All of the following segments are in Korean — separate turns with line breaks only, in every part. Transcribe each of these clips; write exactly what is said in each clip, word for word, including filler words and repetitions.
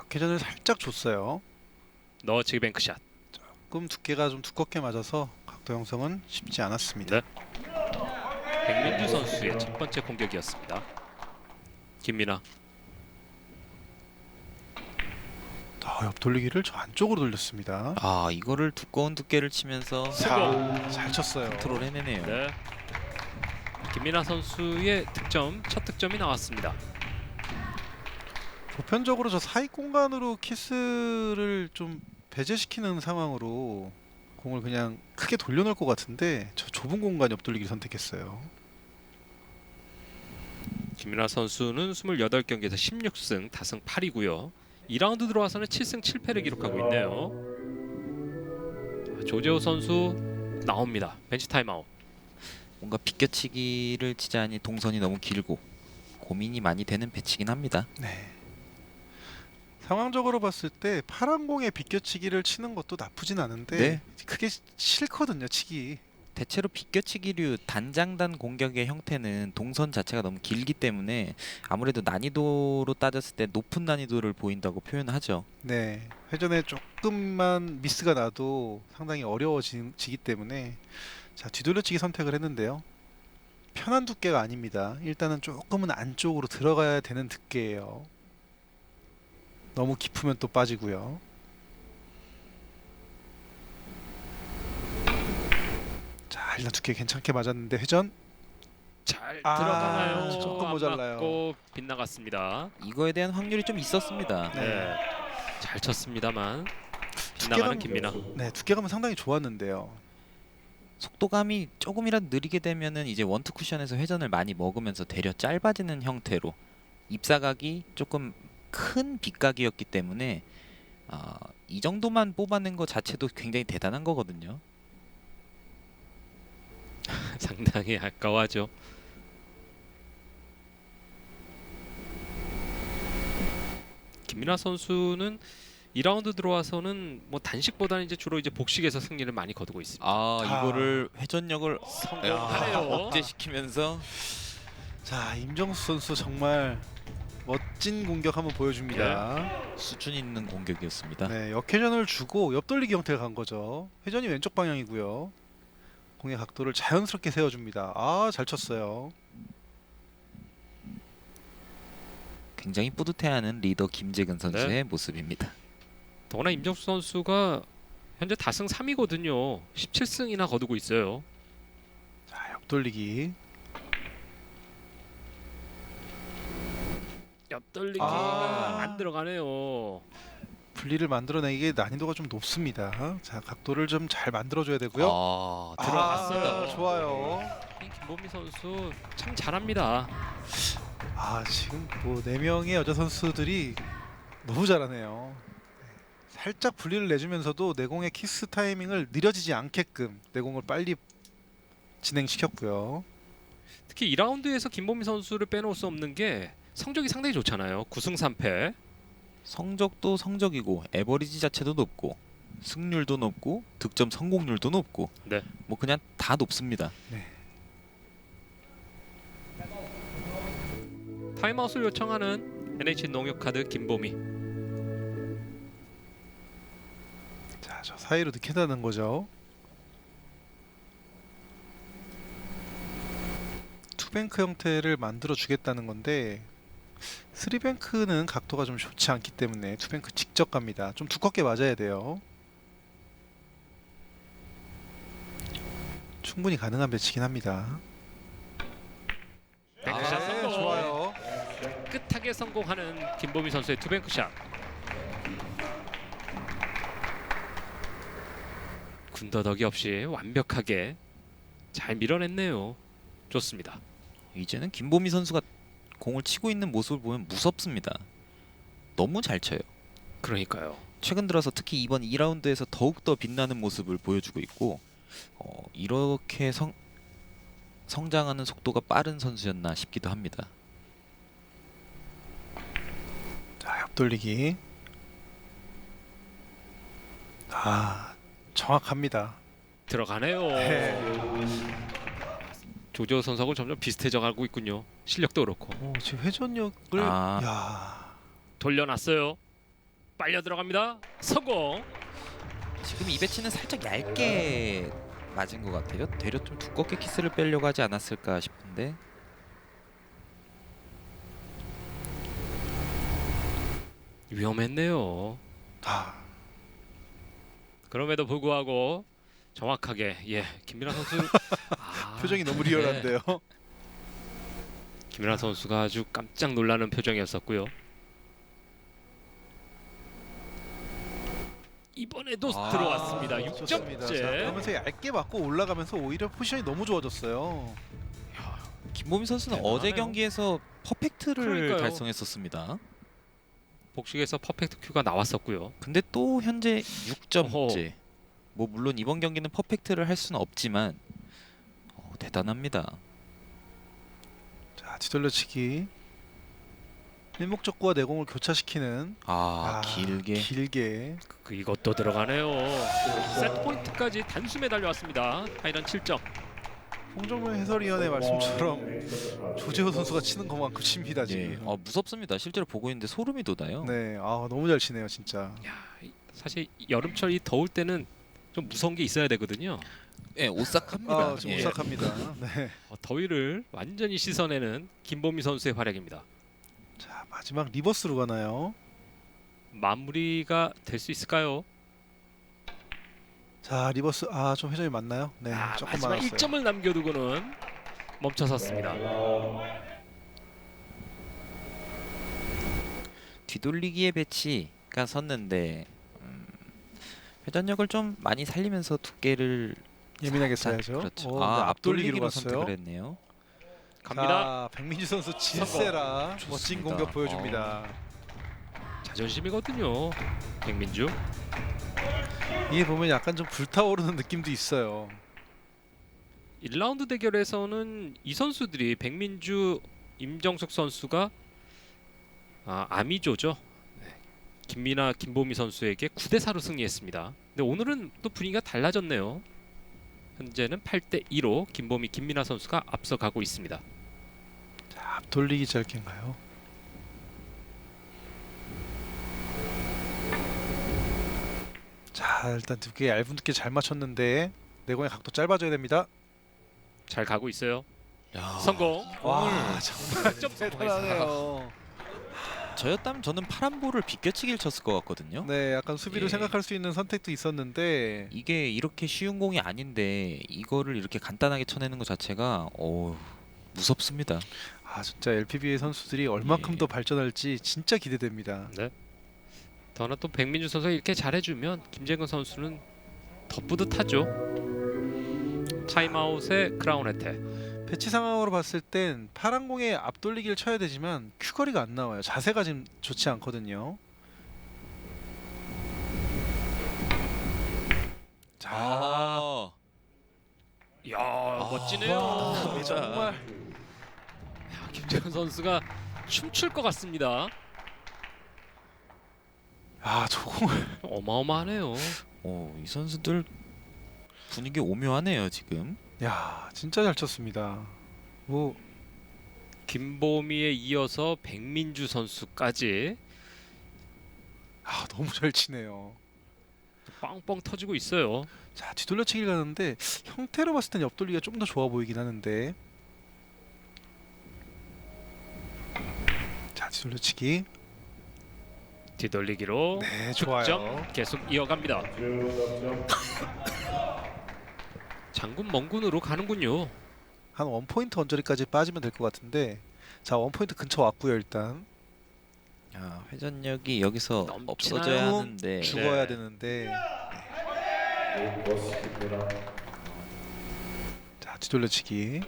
역회전을 살짝 줬어요.
너치기 뱅크샷.
조금 두께가 좀 두껍게 맞아서 각도 형성은 쉽지 않았습니다.
네. 백민주 선수의 첫 번째 공격이었습니다. 김민아.
아, 옆 돌리기를 저 안쪽으로 돌렸습니다.
아 이거를 두꺼운 두께를 치면서
자, 잘 쳤어요.
컨트롤 해내네요.
네. 김민아 선수의 득점, 첫 득점이 나왔습니다.
보편적으로 저 사익 공간으로 키스를 좀 배제시키는 상황으로 공을 그냥 크게 돌려놓을 것 같은데 저 좁은 공간 옆 돌리기를 선택했어요.
김민아 선수는 이십팔 경기에서 십육 승 다승 팔이고요. 이 라운드 들어와서는 칠 승 칠 패를 기록하고 있네요. 조재호 선수 나옵니다. 벤치 타임아웃.
뭔가 비껴치기를 치자니 동선이 너무 길고 고민이 많이 되는 배치긴 합니다.
네. 상황적으로 봤을 때 파란 공에 비껴치기를 치는 것도 나쁘진 않은데
네.
그게 싫거든요, 치기.
대체로 비껴치기류 단장단 공격의 형태는 동선 자체가 너무 길기 때문에 아무래도 난이도로 따졌을 때 높은 난이도를 보인다고 표현하죠.
네. 회전에 조금만 미스가 나도 상당히 어려워지기 때문에 자, 뒤돌려치기 선택을 했는데요. 편한 두께가 아닙니다. 일단은 조금은 안쪽으로 들어가야 되는 두께예요. 너무 깊으면 또 빠지고요. 자, 일단 두께 괜찮게 맞았는데 회전
잘
아,
들어가나요?
조금
안
모자라요.
맞고 빗나갔습니다.
이거에 대한 확률이 좀 있었습니다.
네.
네. 잘 쳤습니다만 빗나가는 김민아.
네, 두께감은 상당히 좋았는데요.
속도감이 조금이라도 느리게 되면은 이제 원투 쿠션에서 회전을 많이 먹으면서 되려 짧아지는 형태로 입사각이 조금 큰 빗각이었기 때문에 아, 이 정도만 뽑아낸 것 자체도 굉장히 대단한 거거든요.
상당히 아까워하죠. 김민아 선수는 이 라운드 들어와서는 뭐 단식보다는 이제 주로 이제 복식에서 승리를 많이 거두고 있습니다.
아,
아.
이거를 회전력을
성공하네요.
억제시키면서
자, 임정수 선수 정말 멋진 공격 한번 보여줍니다.
수준 있는 공격이었습니다.
네, 역회전을 주고 옆돌리기 형태가 간 거죠. 회전이 왼쪽 방향이고요. 공의 각도를 자연스럽게 세워줍니다. 아, 잘 쳤어요.
굉장히 뿌듯해하는 리더 김재근 선수의
네.
모습입니다.
더구나 임정수 선수가 현재 다승 삼이거든요. 십칠 승이나 거두고 있어요.
자, 옆돌리기.
옆돌리기가
아.
안 들어가네요.
분리를 만들어내기에 난이도가 좀 높습니다. 자, 각도를 좀 잘 만들어줘야 되고요.
아,
들어갔어요.
아, 좋아요.
이 김보미 선수 참 잘합니다.
아, 지금 뭐 네 명의 여자 선수들이 너무 잘하네요. 살짝 분리를 내주면서도 내공의 키스 타이밍을 느려지지 않게끔 내공을 빨리 진행시켰고요.
특히 이 라운드에서 김보미 선수를 빼놓을 수 없는 게 성적이 상당히 좋잖아요. 구 승 삼 패.
성적도 성적이고 에버리지 자체도 높고 승률도 높고 득점 성공률도 높고
네.
뭐 그냥 다 높습니다.
타임아웃을 요청하는 엔에이치 농협카드 김보미.
자, 저 사이로 넣겠다는 거죠. 투뱅크 형태를 만들어 주겠다는 건데 쓰리뱅크는 각도가 좀 좋지 않기 때문에 투뱅크 직접 갑니다. 좀 두껍게 맞아야 돼요. 충분히 가능한 배치긴 합니다.
뱅크샷
네,
성공.
좋아요.
끝하게 성공하는 김보미 선수의 투뱅크샷. 군더더기 없이 완벽하게 잘 밀어냈네요. 좋습니다.
이제는 김보미 선수가 공을 치고 있는 모습을 보면 무섭습니다. 너무 잘 쳐요.
그러니까요.
최근 들어서 특히 이번 이 라운드에서 더욱더 빛나는 모습을 보여주고 있고 어, 이렇게 성, 성장하는 속도가 빠른 선수였나 싶기도 합니다.
자, 옆돌리기. 아, 정확합니다.
들어가네요.
네.
조재호 선수하고 점점 비슷해져 가고 있군요. 실력도 그렇고.
오, 지금 회전력을
아.
야,
돌려놨어요. 빨려 들어갑니다. 성공.
지금 이 배치는 살짝 얇게 맞은 것 같아요. 되려 좀 두껍게 키스를 빼려고 하지 않았을까 싶은데.
위험했네요.
아,
그럼에도 불구하고 정확하게 예 김민아 선수 아,
표정이 너무
네.
리얼한데요.
김민아 선수가 아주 깜짝 놀라는 표정이었었고요. 이번에도
아,
들어왔습니다. 육
좋습니다. 자,
점째.
그러면서 얇게 맞고 올라가면서 오히려 포지션이 너무 좋아졌어요.
김보미 선수는
대단하네요.
어제 경기에서 퍼펙트를
그러니까요.
달성했었습니다.
복식에서 퍼펙트 큐가 나왔었고요.
근데 또 현재 육 점째.
어허.
뭐 물론 이번 경기는 퍼펙트를 할 수는 없지만 어, 대단합니다.
자, 뒤돌려치기. 일목적구와 내공을 교차시키는
아, 길게.
길게.
그 이것도 들어가네요. 세트 포인트까지 단숨에 달려왔습니다. 파이널 칠 점.
홍정민 해설위원의 말씀처럼 조재호 선수가 치는 것만큼 칩니다
예.
지금.
어, 무섭습니다. 실제로 보고 있는데 소름이 돋아요.
네, 아 너무 잘 치네요 진짜.
야, 이- 사실 여름철 이 더울 때는 좀 무서운 게 있어야 되거든요.
예, 오싹합니다.
아, 좀
예.
오싹합니다. 네.
어, 더위를 완전히 씻어내는 김보미 선수의 활약입니다.
자, 마지막 리버스로 가나요?
마무리가 될 수 있을까요?
자, 리버스 아 좀 회전이 맞나요? 네,
아,
조금
마지막
많았어요.
일 점을 남겨두고는 멈춰섰습니다.
뒤돌리기의 배치가 섰는데 음, 회전력을 좀 많이 살리면서 두께를
예민하게
살짝,
써야죠.
그렇죠.
오,
아,
네,
앞돌리기로
앞돌리기로 갔어요.
선택을 했네요.
갑니다.
자, 백민주 선수 질세라 멋진
좋습니다.
공격 보여줍니다.
자존심이거든요. 백민주.
이게 보면 약간 좀 불타오르는 느낌도 있어요.
일 라운드 대결에서는 이 선수들이 백민주, 임정숙 선수가 아, 아미조죠. 네. 김민아, 김보미 선수에게 구 대 사로 승리했습니다. 근데 오늘은 또 분위기가 달라졌네요. 현재는 팔 대 이로 김보미, 김민아 선수가 앞서가고 있습니다.
자, 앞돌리기 짧게인가요? 자, 일단 두께 얇은 두께 잘 맞췄는데 내공의 각도 짧아져야 됩니다.
잘 가고 있어요.
야,
성공.
와, 정말
점
대단하네요.
저였다면 저는 파란 볼을 비껴치기를 쳤을 것 같거든요.
네, 약간 수비로
예.
생각할 수 있는 선택도 있었는데
이게 이렇게 쉬운 공이 아닌데 이거를 이렇게 간단하게 쳐내는 것 자체가 어 무섭습니다.
아, 진짜 엘피비에이 선수들이 얼마큼
예.
더 발전할지 진짜 기대됩니다.
네. 더나 또 백민주 선수가 이렇게 잘해주면 김재근 선수는 더 뿌듯하죠. 타임아웃의 크라운 혜택.
배치 상황으로 봤을 땐 파란 공에 앞돌리기를 쳐야 되지만 큐거리가 안 나와요. 자세가 지금 좋지 않거든요. 자,
아,
이야 멋지네요.
와,
정말
야, 김재근 선수가 춤출 것 같습니다.
아, 저공을
어마어마하네요.
어, 이 선수들 분위기 오묘하네요 지금.
야, 진짜 잘 쳤습니다. 뭐
김보미에 이어서 백민주 선수까지
아, 너무 잘 치네요.
빵빵 터지고 있어요.
자, 뒤돌려치기를 가는데 형태로 봤을 땐 옆돌리기가 좀 더 좋아 보이긴 하는데. 자, 뒤돌려치기.
뒤돌리기로
네, 좋아요.
득점 계속 이어갑니다. 장군 멍군으로 가는군요.
한 원 포인트 언저리까지 빠지면 될 것 같은데. 자, 원 포인트 근처 왔고요, 일단.
야, 회전력이 여기서
넘치나요?
없어져야 하는데
죽어야
네.
되는데. 자, 뒤돌려치기.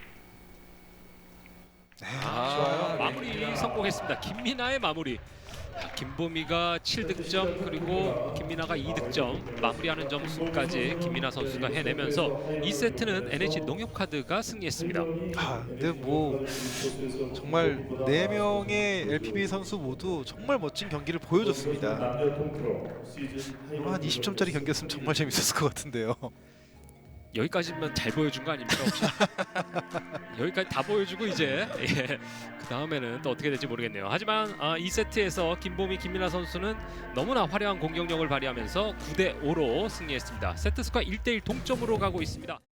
네,
아,
좋아요.
마무리 성공했습니다. 김민아의 마무리. 야, 김보미가 칠 득점 그리고 김민아가 이 득점 마무리하는 점수까지 김민아 선수가 해내면서 이 세트는 엔에이치 농협카드가 승리했습니다.
아, 근데 뭐 정말 네 명의 엘피비에이 선수 모두 정말 멋진 경기를 보여줬습니다. 이거 한 이십 점짜리 경기였으면 정말 재밌었을 것 같은데요.
여기까지면 잘 보여준 거 아닙니까 혹시? 여기까지 다 보여주고 이제 예, 그 다음에는 또 어떻게 될지 모르겠네요. 하지만 아, 이 세트에서 김보미, 김민아 선수는 너무나 화려한 공격력을 발휘하면서 구 대 오로 승리했습니다. 세트 스코어 일 대 일 동점으로 가고 있습니다.